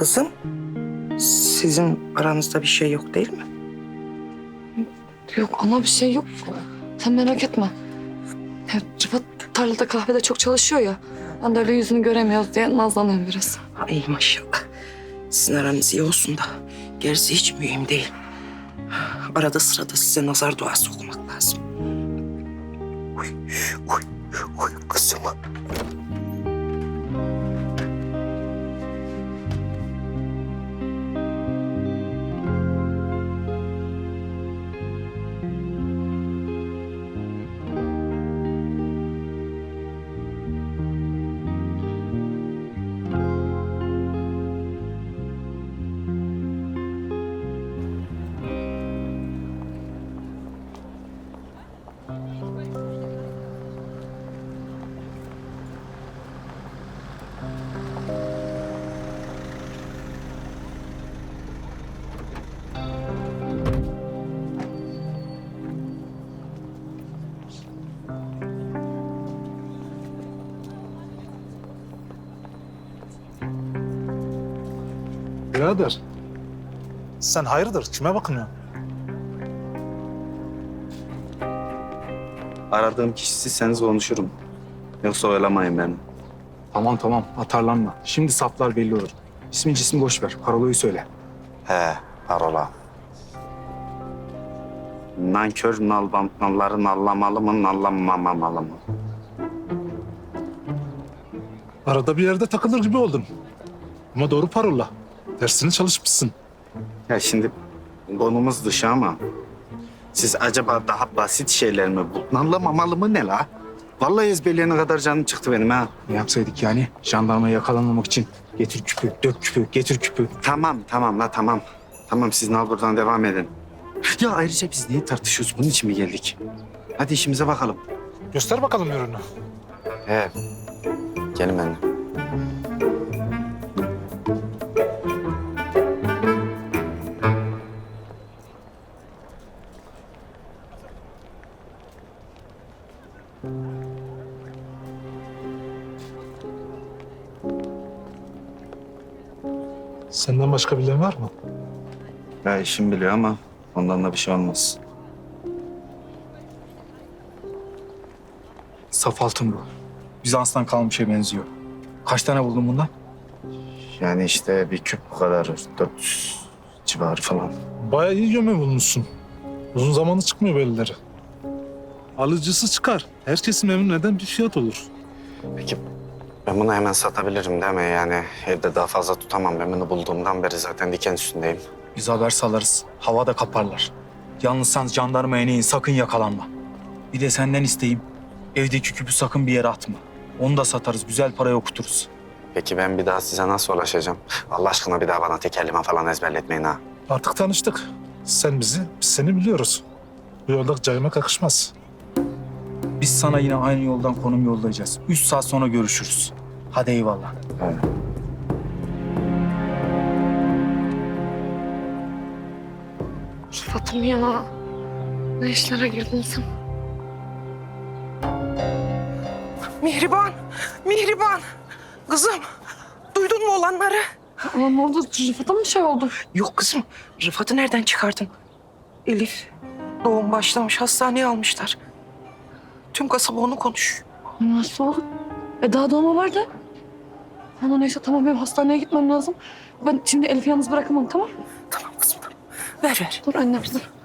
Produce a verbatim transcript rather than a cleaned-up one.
Kızım, sizin aranızda bir şey yok değil mi? Yok ana bir şey yok. Sen merak etme. Ya, Rıfat tarlada kahvede çok çalışıyor ya. Ben de öyle yüzünü göremiyoruz diye nazlanıyorum biraz. Ay maşallah. Sizin aranız iyi olsun da gerisi hiç mühim değil. Arada sırada size nazar duası okumak lazım. Uy, uy, uy kızım. Birader, sen hayırdır? Kime bakınıyorsun? Aradığım kişi sizseniz konuşurum. Yoksa oyalamayın beni. Tamam tamam atarlanma. Şimdi saflar belli olur. İsmin cismi boş ver. Parolayı söyle. He, parola. Nankör nalbam, nalları nallamalı mı, nallamamalı mı? Arada bir yerde takılır gibi oldum. Ama doğru parola. Dersini çalışmışsın. Ya şimdi konumuz dışı ama siz acaba daha basit şeyler mi bu? Nallamamalı mı ne la? Vallahi ezberleyene kadar canım çıktı benim ha. Ne yapsaydık yani? Jandarmaya yakalanmamak için getir küpü, dök küpü, getir küpü. Tamam, tamam la tamam. Tamam siz nal buradan devam edin. Ya ayrıca biz niye tartışıyoruz? Bunun için mi geldik? Hadi işimize bakalım. Göster bakalım ürünü. He. Gelin benimle. Senden başka bilen var mı? Ya işim biliyor ama ondan da bir şey olmaz. Saf altın bu. Bizans'tan kalmışa benziyor. Kaç tane buldun bundan? Yani işte bir küp bu kadar. Dört yüz civarı falan. Bayağı iyi göme bulmuşsun. Uzun zamanı çıkmıyor bellileri. Alıcısı çıkar. Herkesi memnun eden bir fiyat olur. Peki ben bunu hemen satabilirim değil mi? Yani evde daha fazla tutamam. Ben bunu bulduğumdan beri zaten diken üstündeyim. Biz haber salarız. Havada kaparlar. Yalnız sen jandarmaya neyin sakın yakalanma. Bir de senden isteyeyim. Evdeki küpü sakın bir yere atma. Onu da satarız. Güzel paraya okuturuz. Peki ben bir daha size nasıl ulaşacağım? Allah aşkına bir daha bana tekerleme falan ezberletmeyin ha. Artık tanıştık. Sen bizi, biz seni biliyoruz. Bu yolda caymak yakışmaz. Biz sana yine aynı yoldan konum yollayacağız. Üç saat sonra görüşürüz. Hadi eyvallah. Evet. Rıfat'ım ya. Ne işlere girdin sen? Mihriban, Mihriban. Kızım, duydun mu olanları? Ama ne oldu? Rıfat'a mı şey oldu? Yok kızım, Rıfat'ı nereden çıkardın? Elif, doğum başlamış, hastaneye almışlar. Tüm kasaba onu konuşuyor. Nasıl oldu? E daha doğuma vardı. Ana neyse tamam benim hastaneye gitmem lazım. Ben şimdi Elif'i yalnız bırakamam tamam mı? Tamam kızım, tamam. Ver ver. Dur annem dur.